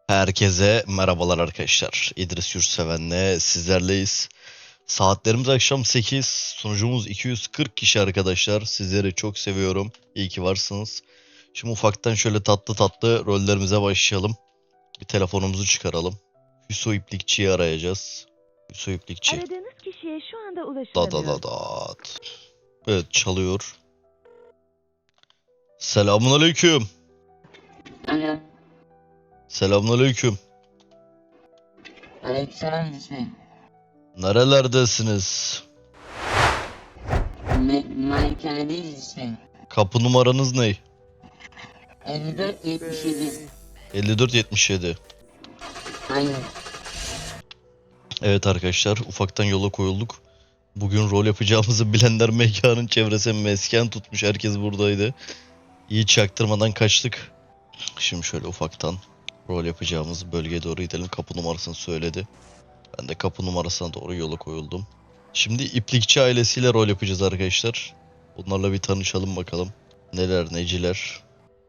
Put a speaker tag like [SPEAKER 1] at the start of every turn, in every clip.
[SPEAKER 1] Herkese merhabalar arkadaşlar. İdris Yurtseven'le sizlerleyiz. Saatlerimiz akşam 8. Sunucumuz 240 kişi arkadaşlar. Sizleri çok seviyorum. İyi ki varsınız. Şimdi ufaktan şöyle tatlı tatlı rollerimize başlayalım. Bir telefonumuzu çıkaralım. Hüso İplikçi'yi arayacağız. Hüso İplikçi.
[SPEAKER 2] Aradığınız kişiye şu anda
[SPEAKER 1] Da
[SPEAKER 2] ulaşılamıyor.
[SPEAKER 1] da da da. Evet, çalıyor. Selamun aleyküm.
[SPEAKER 3] Alo.
[SPEAKER 1] Selamun aleyküm.
[SPEAKER 3] Aleykümselam Hüsnü.
[SPEAKER 1] Nerelerdesiniz?
[SPEAKER 3] Malikanedeyiz Hüsnü.
[SPEAKER 1] Kapı numaranız ne?
[SPEAKER 3] 54-77.
[SPEAKER 1] 5477.
[SPEAKER 3] Aynen.
[SPEAKER 1] Evet arkadaşlar, ufaktan yola koyulduk. Bugün rol yapacağımızı bilenler mekanın çevresine mesken tutmuş. Herkes buradaydı. İyi çaktırmadan kaçtık. Şimdi şöyle ufaktan rol yapacağımız bölgeye doğru gidelim. Kapı numarasını söyledi. Ben de kapı numarasına doğru yola koyuldum. Şimdi İplikçi ailesiyle rol yapacağız arkadaşlar. Bunlarla bir tanışalım bakalım. Neler neciler.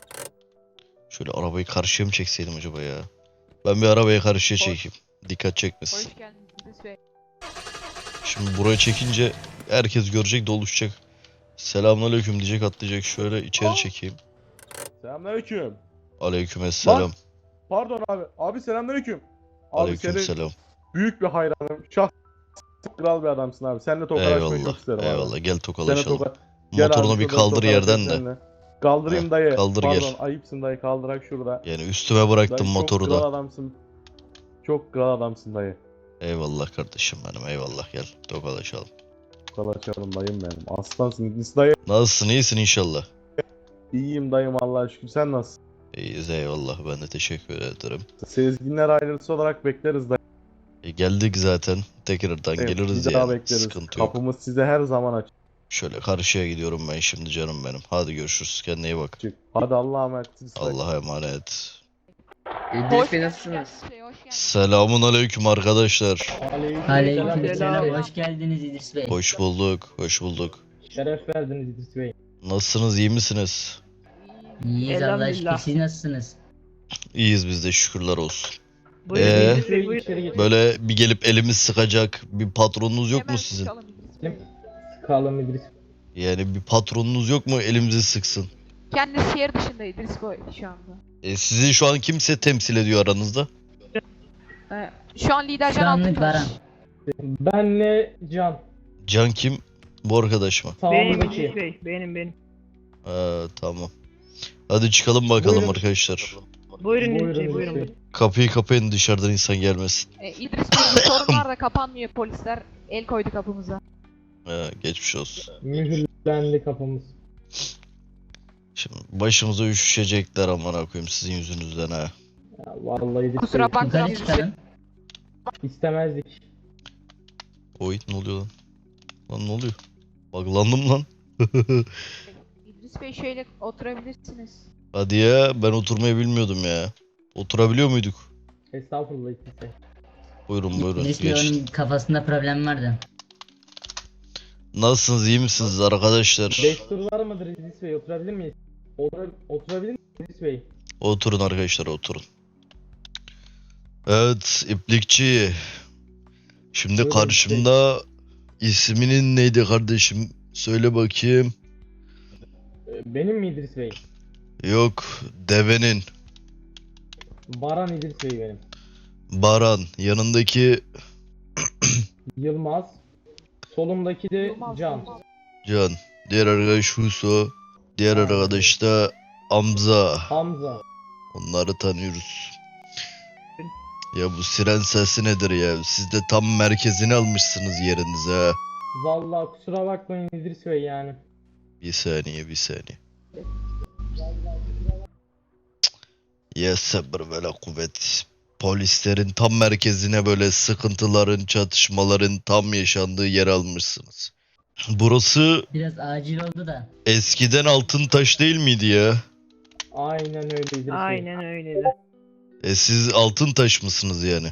[SPEAKER 1] Şöyle arabayı karşıya mı çekseydim acaba ya? Ben bir arabayı karşıya çekeyim. Dikkat çekmesin.
[SPEAKER 4] Hoş geldiniz İdris Bey.
[SPEAKER 1] Şimdi buraya çekince herkes görecek, doluşacak. Selamünaleyküm diyecek, atlayacak. Şöyle içeri çekeyim.
[SPEAKER 5] Selamünaleyküm.
[SPEAKER 1] Aleykümselam.
[SPEAKER 5] Pardon abi. Abi selamünaleyküm. Abi senin
[SPEAKER 1] Aleykümselam.
[SPEAKER 5] büyük bir hayranım. Kral bir adamsın abi. Seninle tokalaşmayı çok
[SPEAKER 1] Eyvallah.
[SPEAKER 5] isterim abi.
[SPEAKER 1] Eyvallah. Gel
[SPEAKER 5] Seninle
[SPEAKER 1] tokalaşalım.
[SPEAKER 5] Gel
[SPEAKER 1] Motorunu
[SPEAKER 5] abi,
[SPEAKER 1] bir
[SPEAKER 5] şurada
[SPEAKER 1] kaldır yerden
[SPEAKER 5] tokalaşalım
[SPEAKER 1] de.
[SPEAKER 5] seninle. Kaldırayım
[SPEAKER 1] Heh,
[SPEAKER 5] dayı.
[SPEAKER 1] kaldır
[SPEAKER 5] Pardon
[SPEAKER 1] gel.
[SPEAKER 5] ayıpsın dayı, kaldırak şurada.
[SPEAKER 1] Yani üstüme bıraktım
[SPEAKER 5] Dayı
[SPEAKER 1] motoru
[SPEAKER 5] çok kral
[SPEAKER 1] da.
[SPEAKER 5] adamsın. Çok kral adamsın dayı.
[SPEAKER 1] Eyvallah kardeşim benim. Eyvallah, gel tokalaşalım.
[SPEAKER 5] Tokalaşalım dayım benim. Aslansın İdris dayı.
[SPEAKER 1] Nasılsın? İyisin inşallah.
[SPEAKER 5] İyiyim dayım Allah'a şükür. Sen nasılsın?
[SPEAKER 1] İyiyiz, eyvallah. Ben de teşekkür ederim.
[SPEAKER 5] Sezginler ailesi olarak bekleriz dayı.
[SPEAKER 1] Geldik zaten. Tekrardan geliriz
[SPEAKER 5] Bir daha
[SPEAKER 1] yani.
[SPEAKER 5] bekleriz.
[SPEAKER 1] Sıkıntı yok.
[SPEAKER 5] Kapımız size her zaman açık.
[SPEAKER 1] Şöyle karşıya gidiyorum ben şimdi canım benim. Hadi görüşürüz. Kendine iyi bak.
[SPEAKER 5] Hadi Allah'a emanet. İdris dayı.
[SPEAKER 1] Allah'a emanet.
[SPEAKER 3] İdris Bey nasılsınız?
[SPEAKER 4] İdris Bey, hoş geldiniz.
[SPEAKER 1] Selamun aleyküm arkadaşlar.
[SPEAKER 3] Aleykümselam. Hoş geldiniz İdris Bey.
[SPEAKER 1] Hoş bulduk, hoş bulduk.
[SPEAKER 6] Şeref verdiniz İdris Bey.
[SPEAKER 1] Nasılsınız, iyi misiniz?
[SPEAKER 3] İyiyiz Allah'a şükür.
[SPEAKER 6] Elhamdülillah.
[SPEAKER 3] Siz nasılsınız?
[SPEAKER 1] İyiyiz biz de, şükürler olsun.
[SPEAKER 6] Buyurun
[SPEAKER 1] Ee?
[SPEAKER 6] İdris Bey, buyurun. İçeri geçin.
[SPEAKER 1] Böyle bir gelip elimiz sıkacak bir patronunuz yok
[SPEAKER 4] Hemen
[SPEAKER 1] mu sizin?
[SPEAKER 4] çıkalım İdris Bey.
[SPEAKER 6] Sıkalım İdris.
[SPEAKER 1] Yani bir patronunuz yok mu elimizi sıksın?
[SPEAKER 4] Kendisi şehir dışında İdris Bey şu anda.
[SPEAKER 1] Sizi şu an kimse temsil ediyor aranızda?
[SPEAKER 4] Şu an lider
[SPEAKER 3] Şu
[SPEAKER 4] Can
[SPEAKER 3] anlık
[SPEAKER 4] Altıntaş.
[SPEAKER 3] Baran.
[SPEAKER 6] Benle Can.
[SPEAKER 1] Can kim? Bu arkadaş mı?
[SPEAKER 6] Benim Sağımdaki. İdris Bey. Benim.
[SPEAKER 1] Tamam. Hadi çıkalım bakalım
[SPEAKER 6] Buyurun.
[SPEAKER 1] arkadaşlar.
[SPEAKER 6] Buyurun İdris Bey, buyurun.
[SPEAKER 1] Kapıyı kapayın, dışarıdan insan gelmesin.
[SPEAKER 4] İdris Bey, bu sorunlar da kapanmıyor, polisler el koydu kapımıza.
[SPEAKER 1] Geçmiş olsun.
[SPEAKER 6] Mühürlendi kapımız.
[SPEAKER 1] Şimdi başımıza üşüşecekler amına koyayım sizin yüzünüzden ha.
[SPEAKER 6] Ya, vallahi İdris
[SPEAKER 4] Kusura
[SPEAKER 6] Bey.
[SPEAKER 4] bakmayın
[SPEAKER 3] Yukarı
[SPEAKER 4] İdris Bey.
[SPEAKER 3] çıkalım.
[SPEAKER 6] İstemezdik.
[SPEAKER 1] Oy, ne oluyor lan? Lan ne oluyor? Buglandım lan.
[SPEAKER 4] İdris Bey, şöyle oturabilirsiniz.
[SPEAKER 1] Hadi ya, ben oturmayı bilmiyordum ya. Oturabiliyor muyduk?
[SPEAKER 6] Estağfurullah İdris Bey.
[SPEAKER 1] Buyurun buyurun,
[SPEAKER 3] İdris Bey
[SPEAKER 1] geçin.
[SPEAKER 3] onun kafasında problem vardı.
[SPEAKER 1] Nasılsınız, iyi misiniz arkadaşlar?
[SPEAKER 6] Destur var mıdır İdris Bey? Oturabilir miyiz? Oturabilir miyiz İdris Bey?
[SPEAKER 1] Oturun arkadaşlar, oturun. Evet, İplikçi. Şimdi
[SPEAKER 6] Buyurun,
[SPEAKER 1] karşımda isminin neydi kardeşim? Söyle bakayım.
[SPEAKER 6] Benim mi İdris Bey?
[SPEAKER 1] Yok, devenin.
[SPEAKER 6] Baran İdris Bey benim.
[SPEAKER 1] Baran. Yanındaki
[SPEAKER 6] Yılmaz. Solumdaki de
[SPEAKER 4] Yılmaz,
[SPEAKER 6] Can.
[SPEAKER 4] Yılmaz.
[SPEAKER 1] Can. Diğer arkadaş Huso. Diğer arkadaş da Hamza.
[SPEAKER 6] Hamza.
[SPEAKER 1] Onları tanıyoruz. Ya bu siren sesi nedir ya? Siz de tam merkezini almışsınız yerinize ha.
[SPEAKER 6] Vallahi kusura bakmayın İdris Bey yani.
[SPEAKER 1] Bir saniye, bir saniye. Ya sabır ve la kuvvet. Polislerin tam merkezine böyle sıkıntıların, çatışmaların tam yaşandığı yer almışsınız. Burası
[SPEAKER 3] Biraz acil oldu da.
[SPEAKER 1] eskiden Altıntaş değil miydi ya?
[SPEAKER 6] Aynen öyle İdris Bey.
[SPEAKER 7] Aynen öyle.
[SPEAKER 1] Siz Altıntaş mısınız yani?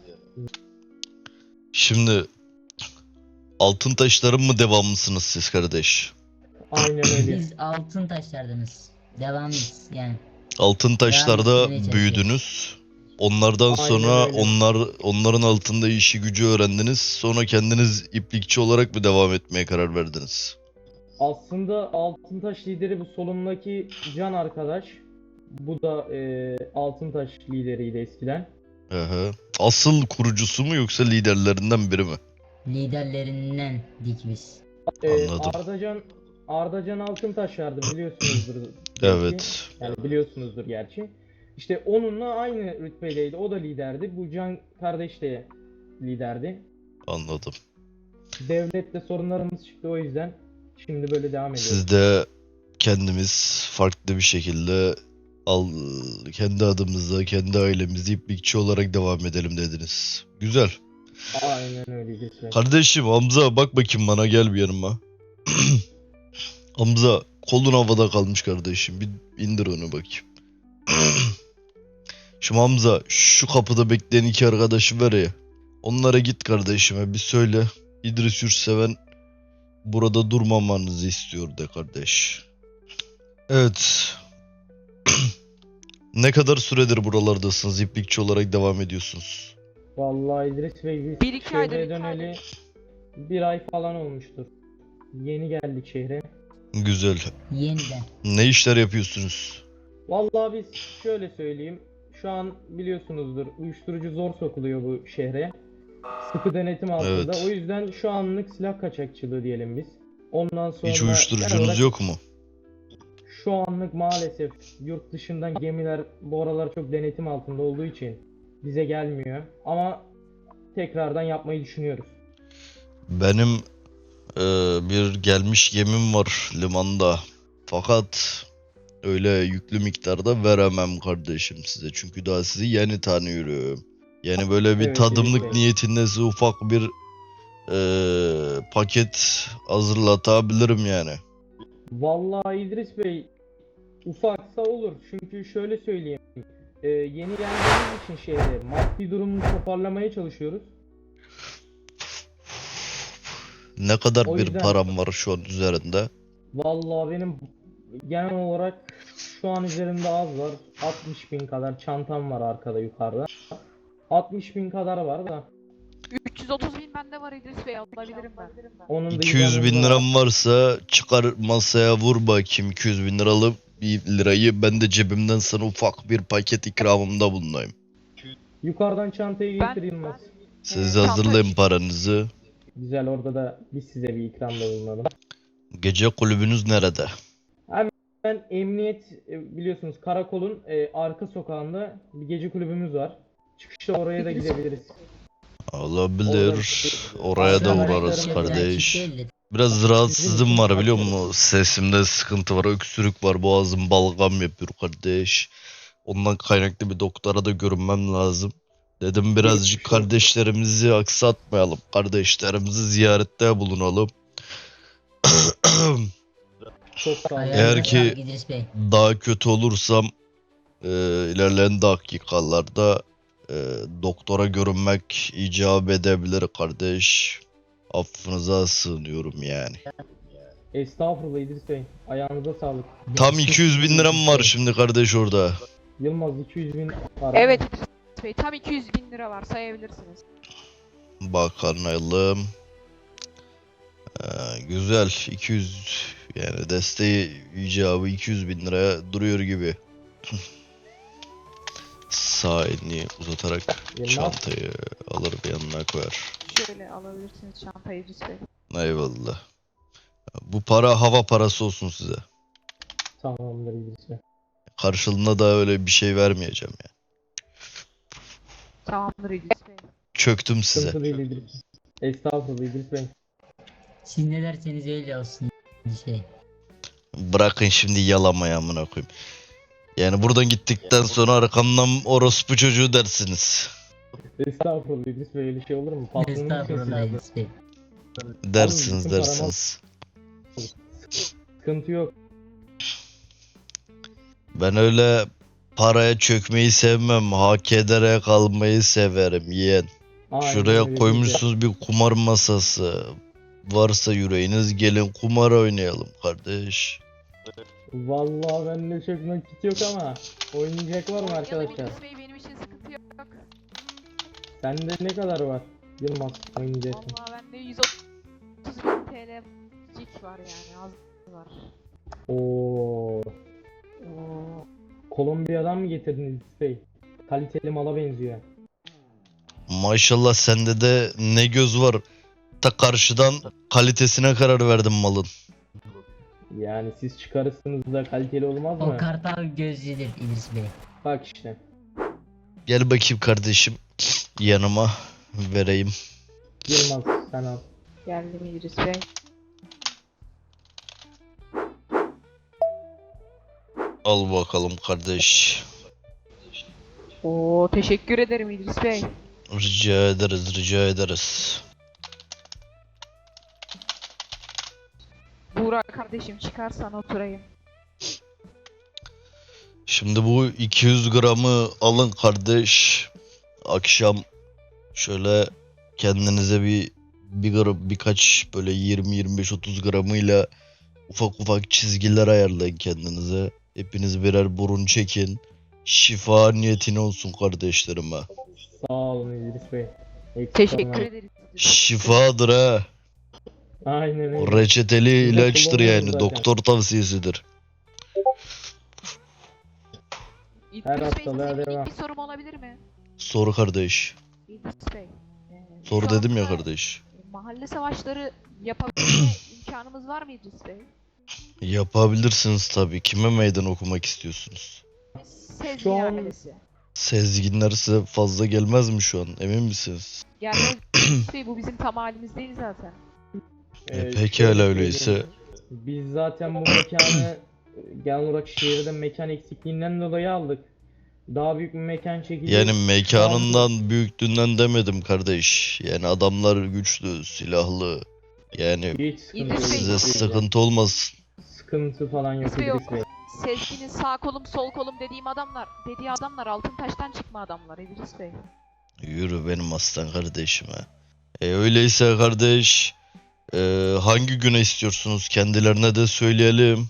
[SPEAKER 1] Şimdi Altıntaşların mı devamlısınız siz kardeş?
[SPEAKER 6] Aynen öyle.
[SPEAKER 3] Biz altın taşlardınız. Devamlıyız yani.
[SPEAKER 1] Altıntaşlarda
[SPEAKER 3] Devam etmeye
[SPEAKER 1] büyüdünüz. Onlardan
[SPEAKER 6] Aynen
[SPEAKER 1] sonra
[SPEAKER 6] öyle.
[SPEAKER 1] onların altında işi gücü öğrendiniz. Sonra kendiniz iplikçi olarak mı devam etmeye karar verdiniz?
[SPEAKER 6] Aslında Altıntaş lideri bu solumdaki Can arkadaş. Bu da Altıntaş lideriydi eskiden.
[SPEAKER 1] Aha. Asıl kurucusu mu yoksa liderlerinden biri mi?
[SPEAKER 3] Liderlerinden dik biz.
[SPEAKER 1] Anladım.
[SPEAKER 6] Ardacan Altıntaş vardı biliyorsunuzdur. belki.
[SPEAKER 1] Evet.
[SPEAKER 6] Yani biliyorsunuzdur gerçi. İşte onunla aynı rütbedeydi. O da liderdi. Bu Can kardeş de liderdi.
[SPEAKER 1] Anladım.
[SPEAKER 6] Devlette sorunlarımız çıktı o yüzden. Şimdi böyle devam ediyoruz.
[SPEAKER 1] Siz de kendimiz farklı bir şekilde kendi adımıza, kendi ailemizi iplikçi olarak devam edelim dediniz. Güzel.
[SPEAKER 6] Aynen öyleydi.
[SPEAKER 1] Kardeşim Hamza bak bakayım bana, gel bir yanıma. Hamza kolun havada kalmış kardeşim. Bir indir onu bakayım. Şimdi Hamza şu kapıda bekleyen iki arkadaşı var ya. Onlara git kardeşime bir söyle. İdris Yurtseven burada durmamanızı istiyor de kardeş. Evet. Ne kadar süredir buralardasınız? İplikçi olarak devam ediyorsunuz.
[SPEAKER 6] Vallahi İdris Bey biz
[SPEAKER 4] Bir iki aydır,
[SPEAKER 6] şehre
[SPEAKER 4] iki
[SPEAKER 6] döneli bir ay falan olmuştur. Yeni geldik şehre.
[SPEAKER 1] Güzel.
[SPEAKER 3] Yeniden.
[SPEAKER 1] Ne işler yapıyorsunuz?
[SPEAKER 6] Vallahi biz şöyle söyleyeyim. Şu an biliyorsunuzdur uyuşturucu zor sokuluyor bu şehre. Sıkı denetim altında.
[SPEAKER 1] Evet.
[SPEAKER 6] O yüzden şu anlık silah kaçakçılığı diyelim biz. Ondan sonra
[SPEAKER 1] Hiç
[SPEAKER 6] genel
[SPEAKER 1] uyuşturucunuz
[SPEAKER 6] olarak
[SPEAKER 1] yok mu?
[SPEAKER 6] şu anlık maalesef yurt dışından gemiler bu aralar çok denetim altında olduğu için bize gelmiyor. Ama tekrardan yapmayı düşünüyoruz.
[SPEAKER 1] Benim bir gelmiş gemim var limanda. Fakat öyle yüklü miktarda veremem kardeşim size. Çünkü daha sizi yeni tanıyorum. Yani böyle bir
[SPEAKER 6] Evet,
[SPEAKER 1] tadımlık
[SPEAKER 6] evet.
[SPEAKER 1] niyetinde size ufak bir paket hazırlatabilirim yani.
[SPEAKER 6] Vallahi İdris Bey ufaksa olur. Çünkü şöyle söyleyeyim. Yeni geldiğimiz için şehre maddi durumunu toparlamaya çalışıyoruz.
[SPEAKER 1] Ne kadar
[SPEAKER 6] O
[SPEAKER 1] bir
[SPEAKER 6] yüzden-
[SPEAKER 1] param var şu an üzerinde?
[SPEAKER 6] Vallahi benim genel olarak şu an üzerimde az var. 60.000 kadar çantam var arkada yukarıda. 60.000 kadar var da.
[SPEAKER 4] 330 bin bende var İdris Bey, alabilirim ben.
[SPEAKER 6] Onun da
[SPEAKER 1] 200 bin
[SPEAKER 6] IBAN'ımda var.
[SPEAKER 1] liram varsa çıkar masaya vur bakayım 200 bin liralık bir lirayı, ben de cebimden sana ufak bir paket ikramımda bulunayım.
[SPEAKER 6] Yukarıdan çantayı
[SPEAKER 4] Ben-
[SPEAKER 6] getir Yılmaz.
[SPEAKER 1] Siz
[SPEAKER 4] Çanta
[SPEAKER 1] hazırlayın
[SPEAKER 4] için.
[SPEAKER 1] paranızı.
[SPEAKER 6] Güzel, orada da biz size bir ikramda bulunalım.
[SPEAKER 1] Gece kulübünüz nerede?
[SPEAKER 6] Ben emniyet biliyorsunuz karakolun arka sokağında bir gece kulübümüz var. Çıkışta oraya da gidebiliriz.
[SPEAKER 1] Olabilir. Oraya da
[SPEAKER 6] Arkadaşlarım
[SPEAKER 1] uğrarız
[SPEAKER 6] da
[SPEAKER 1] kardeş.
[SPEAKER 3] Açık değildi.
[SPEAKER 1] Biraz rahatsızlığım var biliyor musun? Sesimde sıkıntı var, öksürük var, boğazım balgam yapıyor kardeş. Ondan kaynaklı bir doktora da görünmem lazım. Dedim birazcık
[SPEAKER 6] Geçmiş olsun.
[SPEAKER 1] kardeşlerimizi aksatmayalım. Kardeşlerimizi ziyarette bulunalım.
[SPEAKER 6] Çok sağ olun.
[SPEAKER 1] Eğer
[SPEAKER 3] Ayağınıza
[SPEAKER 1] ki-
[SPEAKER 3] sağlık İdris Bey.
[SPEAKER 1] Daha kötü olursam ilerleyen dakikalarda doktora görünmek icap edebilir kardeş. Affınıza sığınıyorum yani.
[SPEAKER 6] Estağfurullah İdris Bey. Ayağınıza sağlık.
[SPEAKER 1] Tam 200 bin liram var şimdi kardeş orada.
[SPEAKER 6] Yılmaz 200.000 var.
[SPEAKER 4] Evet İdris Bey, tam 200 bin lira var, sayabilirsiniz.
[SPEAKER 1] Bakalım. Güzel 200, yani desteği icabı 200 bin liraya duruyor gibi. Sağ elini uzatarak
[SPEAKER 6] Yılmaz.
[SPEAKER 1] çantayı alır bir yanına koyar.
[SPEAKER 4] Şöyle alabilirsiniz çantayı İdris Bey.
[SPEAKER 1] Eyvallah. Bu para hava parası olsun size.
[SPEAKER 6] Tamamdır İdris Bey.
[SPEAKER 1] Karşılığında da öyle bir şey vermeyeceğim yani.
[SPEAKER 4] Tamamdır İdris Bey.
[SPEAKER 1] Çöktüm size.
[SPEAKER 6] Sıkıntı değil İdris. Estağfurullah İdris Bey.
[SPEAKER 3] Siz ne derseniz öyle olsun. Şey.
[SPEAKER 1] Bırakın şimdi yalamayı amına koyayım. Yani buradan gittikten sonra arkamdan orospu çocuğu dersiniz.
[SPEAKER 6] Estağfurullah İdris Bey, öyle şey olur mu? Patronun
[SPEAKER 3] Estağfurullah
[SPEAKER 6] için
[SPEAKER 3] İdris Bey.
[SPEAKER 1] Dersiniz
[SPEAKER 6] bütün
[SPEAKER 1] dersiniz.
[SPEAKER 6] sıkıntı yok.
[SPEAKER 1] Ben öyle paraya çökmeyi sevmem. Hak ederek kalmayı severim yeğen.
[SPEAKER 6] Aynen
[SPEAKER 1] Şuraya
[SPEAKER 6] öyle
[SPEAKER 1] koymuşsunuz bir kumar masası. Varsa yüreğiniz gelin kumar oynayalım kardeş.
[SPEAKER 6] Vallahi bende çok nakit yok ama oynayacak var mı
[SPEAKER 4] Oynayalım
[SPEAKER 6] arkadaşlar?
[SPEAKER 4] İdris Bey, benim için sıkıntı yok.
[SPEAKER 6] Sende ne kadar var Yılmaz oynayacağım?
[SPEAKER 4] Vallahi bende 130.000 TL cik var yani az var.
[SPEAKER 6] Oo. Kolombiya'dan mı getirdin İdris Bey? Kaliteli mala benziyor.
[SPEAKER 1] Maşallah sende de ne göz var. Ta karşıdan kalitesine karar verdim malın.
[SPEAKER 6] Yani siz çıkarırsınız da kaliteli olmaz mı?
[SPEAKER 3] O kartal gözlüdür İdris Bey.
[SPEAKER 6] Bak işte.
[SPEAKER 1] Gel bakayım kardeşim yanıma vereyim.
[SPEAKER 6] Yılmaz sen al.
[SPEAKER 4] Geldi mi İdris Bey?
[SPEAKER 1] Al bakalım kardeş.
[SPEAKER 4] Oo teşekkür ederim İdris Bey.
[SPEAKER 1] Rica ederiz, rica ederiz.
[SPEAKER 4] Buğra kardeşim çıkarsan oturayım.
[SPEAKER 1] Şimdi bu 200 gramı alın kardeş. Akşam şöyle kendinize birkaç böyle 20-25-30 gramıyla ufak ufak çizgiler ayarlayın kendinize. Hepiniz birer burun çekin. Şifa niyetine olsun kardeşlerime.
[SPEAKER 6] Sağ olun İdris Bey. Eksik
[SPEAKER 4] Teşekkür
[SPEAKER 6] olmayın.
[SPEAKER 4] ederiz.
[SPEAKER 1] Şifadır ha.
[SPEAKER 6] Aynen
[SPEAKER 1] O
[SPEAKER 6] öyle.
[SPEAKER 1] reçeteli
[SPEAKER 6] Biz de
[SPEAKER 1] ilaçtır
[SPEAKER 6] kullanıyoruz
[SPEAKER 1] yani.
[SPEAKER 6] zaten.
[SPEAKER 1] Doktor tavsiyesidir.
[SPEAKER 6] Her
[SPEAKER 4] İdris Bey size
[SPEAKER 6] hastalığa
[SPEAKER 4] minik
[SPEAKER 6] devam.
[SPEAKER 4] bir sorum olabilir mi?
[SPEAKER 1] Soru kardeş.
[SPEAKER 4] İdris Bey.
[SPEAKER 1] Soru
[SPEAKER 4] şu
[SPEAKER 1] dedim ya
[SPEAKER 4] anda
[SPEAKER 1] kardeş.
[SPEAKER 4] Mahalle savaşları yapabilme imkanımız var mı İdris Bey?
[SPEAKER 1] Yapabilirsiniz tabii. Kime meydan okumak istiyorsunuz?
[SPEAKER 4] Sezgin
[SPEAKER 6] Şu an-
[SPEAKER 4] ailesi.
[SPEAKER 1] Sezginler size fazla gelmez mi şu an? Emin misiniz?
[SPEAKER 4] Gelmez İdris Bey bu bizim tam halimiz değil zaten.
[SPEAKER 1] Pekala
[SPEAKER 6] şöyle
[SPEAKER 1] öyleyse.
[SPEAKER 6] söyleyeyim. Biz zaten bu mekanı genel olarak şehirde mekan eksikliğinden dolayı aldık. Daha büyük bir mekan çekeceğiz.
[SPEAKER 1] Yani mekanından, büyüklüğünden demedim kardeş. Yani adamlar güçlü, silahlı. Yani
[SPEAKER 6] Hiç sıkıntı
[SPEAKER 4] İdris
[SPEAKER 6] yok.
[SPEAKER 4] Bey-
[SPEAKER 1] size
[SPEAKER 6] İdris Bey.
[SPEAKER 1] sıkıntı olmasın.
[SPEAKER 6] Sıkıntı falan yok
[SPEAKER 4] İdris Bey
[SPEAKER 6] İdris Bey.
[SPEAKER 4] Sezgin'in sağ kolum sol kolum dediği adamlar altın taştan çıkma adamlar İdris Bey.
[SPEAKER 1] Yürü benim aslan kardeşime. Öyleyse kardeş, hangi güne istiyorsunuz? Kendilerine de söyleyelim.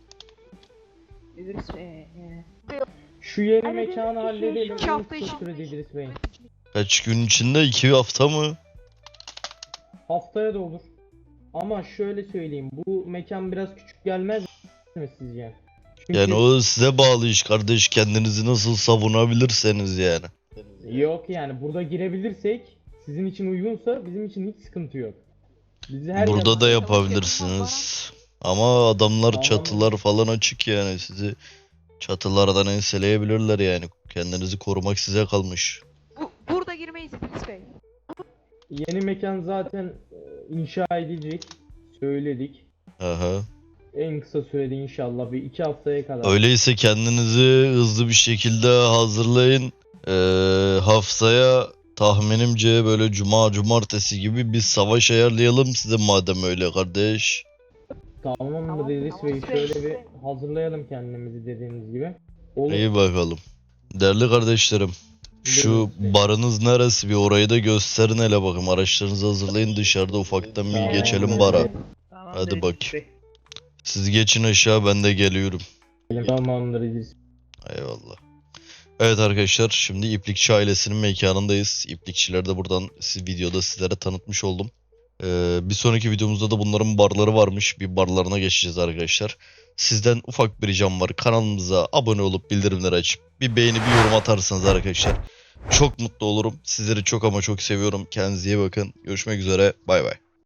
[SPEAKER 4] İdris Bey.
[SPEAKER 6] Şu yeri mekanı halledelim.
[SPEAKER 4] 2 hafta
[SPEAKER 6] En kısa
[SPEAKER 4] içinde.
[SPEAKER 6] sürede İdris Bey.
[SPEAKER 1] Kaç gün içinde? 2 hafta mı?
[SPEAKER 6] Haftaya da olur. Ama şöyle söyleyeyim. Bu mekan biraz küçük gelmez mi sizce? Çünkü
[SPEAKER 1] Yani o size bağlı iş kardeş. Kendinizi nasıl savunabilirseniz yani.
[SPEAKER 6] yok yani burada girebilirsek sizin için uygunsa bizim için hiç sıkıntı yok. Bizi her
[SPEAKER 1] Burada
[SPEAKER 6] zaman-
[SPEAKER 1] da yapabilirsiniz. Ama adamlar
[SPEAKER 6] Tamam.
[SPEAKER 1] çatılar falan açık yani. Sizi çatılardan enseleyebilirler yani. Kendinizi korumak size kalmış.
[SPEAKER 4] Burada girmeyiz İdris Bey.
[SPEAKER 6] Yeni mekan zaten inşa edilecek. Söyledik.
[SPEAKER 1] Aha.
[SPEAKER 6] En kısa sürede inşallah bir 2 haftaya kadar.
[SPEAKER 1] Öyleyse kendinizi hızlı bir şekilde hazırlayın. Haftaya tahminimce böyle cumartesi gibi bir savaş ayarlayalım size madem öyle kardeş.
[SPEAKER 6] Tamamdır
[SPEAKER 4] Tamam,
[SPEAKER 6] İdris
[SPEAKER 4] tamam.
[SPEAKER 6] Bey. Şöyle bir hazırlayalım kendimizi dediğiniz gibi. Olur.
[SPEAKER 1] İyi bakalım. Değerli kardeşlerim. Şu
[SPEAKER 6] Buyurun.
[SPEAKER 1] barınız neresi bir orayı da gösterin hele bakayım. Araçlarınızı hazırlayın dışarıda ufaktan bir
[SPEAKER 6] Tamam.
[SPEAKER 1] geçelim bara.
[SPEAKER 4] Tamam.
[SPEAKER 1] Hadi bak. Siz geçin aşağı ben de geliyorum.
[SPEAKER 6] Tamamdır İdris.
[SPEAKER 1] Eyvallah. Evet arkadaşlar şimdi İplikçi ailesinin mekanındayız. İplikçileri de buradan videoda sizlere tanıtmış oldum. Bir sonraki videomuzda da bunların barları varmış. Bir barlarına geçeceğiz arkadaşlar. Sizden ufak bir ricam var. Kanalımıza abone olup bildirimleri açıp bir beğeni bir yorum atarsanız arkadaşlar çok mutlu olurum. Sizleri çok ama çok seviyorum. Kendinize iyi bakın. Görüşmek üzere. Bay bay.